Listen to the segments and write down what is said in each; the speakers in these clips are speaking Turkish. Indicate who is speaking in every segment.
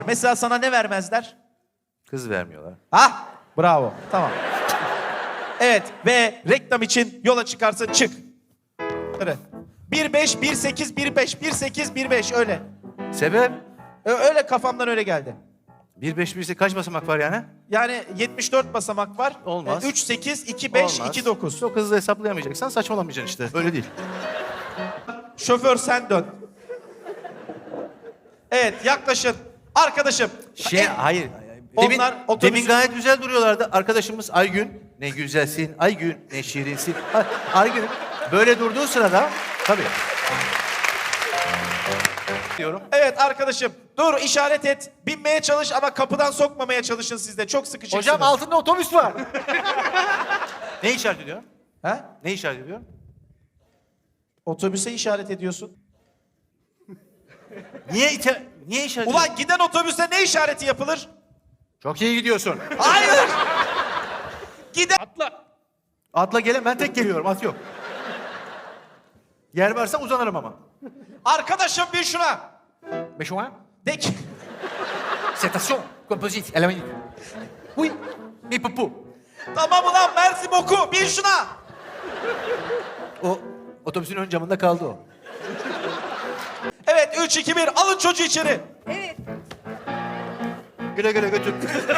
Speaker 1: Mesela sana ne vermezler?
Speaker 2: Kız vermiyorlar.
Speaker 1: Ha? Bravo. Tamam. Evet ve reklam için yola çıkarsın çık. Evet. 1-5, 1-8, 1-5, 1-8, 1-5 öyle.
Speaker 2: Sebep?
Speaker 1: Öyle kafamdan öyle geldi.
Speaker 2: 1-5-1'se kaç basamak var yani?
Speaker 1: Yani 74 basamak var.
Speaker 2: Olmaz.
Speaker 1: 3-8, 2-5,
Speaker 2: Olmaz.
Speaker 1: 2-9.
Speaker 2: Çok hızlı hesaplayamayacaksan saçmalamayacaksın işte. Öyle değil.
Speaker 1: Şoför sen dön. Evet yaklaşın. Arkadaşım.
Speaker 2: Hayır.
Speaker 1: Onlar otobüsü-
Speaker 2: Demin gayet güzel duruyorlardı. Arkadaşımız Aygün. Ne güzelsin Aygün, ne şirinsin. Aygün böyle durduğu sırada tabii. Diyorum.
Speaker 1: Evet arkadaşım. Dur işaret et. Binmeye çalış ama kapıdan sokmamaya çalışın siz de. Çok sıkışıksınız.
Speaker 2: Hocam altında otobüs var. Ne işaret ediyorum?
Speaker 1: He?
Speaker 2: Ne işaret ediyorum?
Speaker 1: Otobüse işaret ediyorsun.
Speaker 2: Niye işaret ediyorum?
Speaker 1: Ulan giden otobüse ne işareti yapılır?
Speaker 2: Çok iyi gidiyorsun.
Speaker 1: Hayır. Giden...
Speaker 2: Atla gelin, ben tek geliyorum, at yok. Yer varsa uzanırım ama.
Speaker 1: Arkadaşım bin şuna.
Speaker 2: Beşoğan.
Speaker 1: De ki...
Speaker 2: Station, composite, à la minute. Oui, mi pupu.
Speaker 1: Tamam ulan Mersin oku. Bin şuna.
Speaker 2: O otobüsün ön camında kaldı o.
Speaker 1: Evet 3, 2, 1 alın çocuğu içeri.
Speaker 3: Evet.
Speaker 2: Güle güle götür.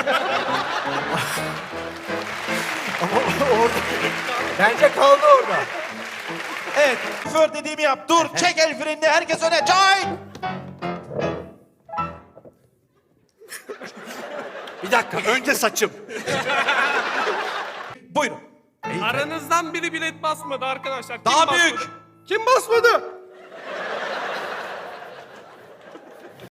Speaker 2: Ama orada... Bence kaldı orada.
Speaker 1: Evet şoför dediğimi yap. Dur çek el frenini herkes öne. Çay.
Speaker 2: Bir dakika, önce saçım.
Speaker 1: Buyurun.
Speaker 4: Aranızdan biri bilet basmadı arkadaşlar. Kim
Speaker 1: Daha
Speaker 4: basmadı?
Speaker 1: büyük.
Speaker 4: Kim basmadı?